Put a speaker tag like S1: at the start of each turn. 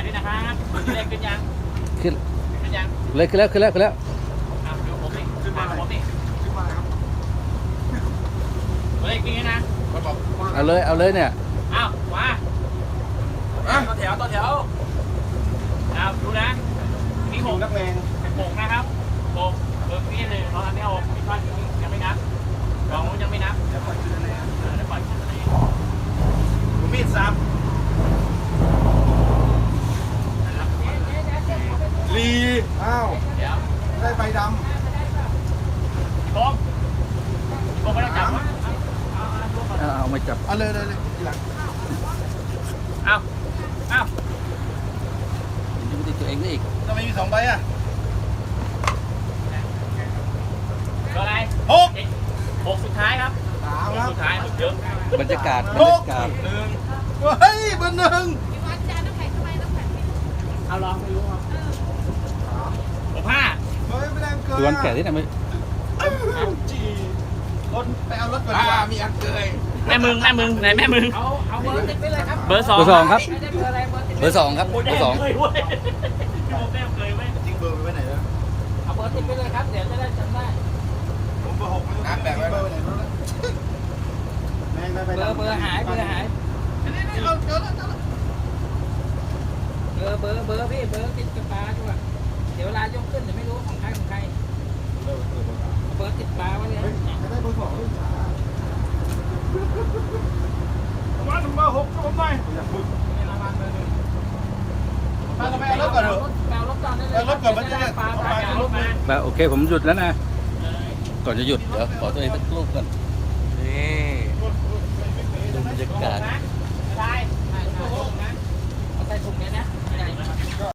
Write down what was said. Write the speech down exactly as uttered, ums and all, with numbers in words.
S1: ด้วยนะครับเลขขึ้นยัง
S2: ขึ้น
S1: ขึ้นยัง
S2: เลยขึ้นแล้วขึ้นแล้วขึ้นแล้ว
S1: อ่ะเดี๋ยวผมนี่
S3: ขึ้นมา
S1: ผมนี่
S3: ขึ้นมาครับ
S1: เลขขึ้นนะ
S3: มันบอก
S2: เอาเลยเอาเลยเนี่ย
S1: อ้าวมา
S3: อ่ะ
S1: ต่อแถวต่อแถวอ้าวดูนะนี่ห
S3: ห
S1: ก
S3: งนักเลง
S1: หกนะครับหกเบอร์นี่หนึ่งเราทำได้หกมีก้อนยังไม่นับสองยังไม่นับ
S3: เดี๋ยวปล่อยขึ้นเลย
S1: เออแล้วปล่อยขึ้นเลย
S3: ผมมีดซับ
S1: นะครับ
S3: ลีอ้าว
S1: เดี๋ยว
S3: ได้ใบด
S1: โค้งโค้งไม่ต้องจับวะเอาเอาเอา
S2: เอาเอามาจับ
S3: ำเอาเลยเลยเลยทีหลัง
S1: เอาเอา
S2: ยังไม่ติดตัวเองได้อีก
S3: ทำไมมีสองใบอ่ะ
S1: เบอร์อะไร
S3: หก
S1: หกสุดท้ายครับ
S3: สาม
S1: ห
S3: ค
S1: ก
S3: รับ
S1: สุดท้ายหกเยอะ
S2: บรรยากาศบร
S3: ห
S2: รยาก กาศ
S3: หนึ่งเฮ้ยเบอร์หนึ่ง
S1: เอาลองไม่รู้ครับหกห้า
S3: เฮ้ยไม่ได้เกิน
S2: ตัวนแก่ที่ไหนไม่
S3: จีรถไปเอารถก่อนดีกว่ามีอันเกย
S1: แม่มึงแม่มึงไหนแม่มึง
S4: เอาเอาเบอร์ติดไปเลยครับ
S1: เบอร์สอง
S2: เบอร์สองครับ
S4: ไม่ได้เบอร์อะไรเบอร์ติด
S2: เบอร์สองครับ
S1: โอ้
S2: เบ
S1: แด
S2: อร์สอง
S1: เคยเว้ยพี่โมแดงเคยเว้ย
S3: จริงเบอร์ไปไว้ไหนแล้ว
S4: เอาเบอร์ติดไปเลยครับ เดี๋ยวจะได้จำได้
S3: ผมเบอร์หกน้ำแบกไว้เบอร์ไหนแล้วแม่งได้ใบ
S4: เบอร์เบอร์หายเบอร์หาย
S3: นี่นี่เราเจอแล้วเจอแล้ว
S4: เบอร์เบอร์เบอร์พี่เบอร์ติดกระปาด้วย เดี๋ยวเวลายกขึ้นเดี๋ยวไม่รู้ของใครของใครเอาเบอร์ติดปลาไว้เลย
S3: เฮ้ยจะได้เบอร์สองด้วยจ้ามาถึงเบอร์หกก็ผมหน่อยอยากบึ้ง
S4: ไม่ระวังเบอร์หนึ่ง
S3: มาทำไมเอารถก่อนเถอะ
S4: แปลรถก่อนได้เลย
S3: เอารถก่อนมันจะได้
S4: ปลา
S3: เอา
S4: ป
S3: ไป
S4: ลา
S1: เอารถมา
S2: แล้วโอเคผมหยุดแล้วนะ ก่อนจะหยุดเดี๋ยวขอตัวเองสักรูปก่อนนี่ดูบรรยากาศ
S1: ได้
S4: ใช่ใช่เอาใส่ถุงเนี้ยนะ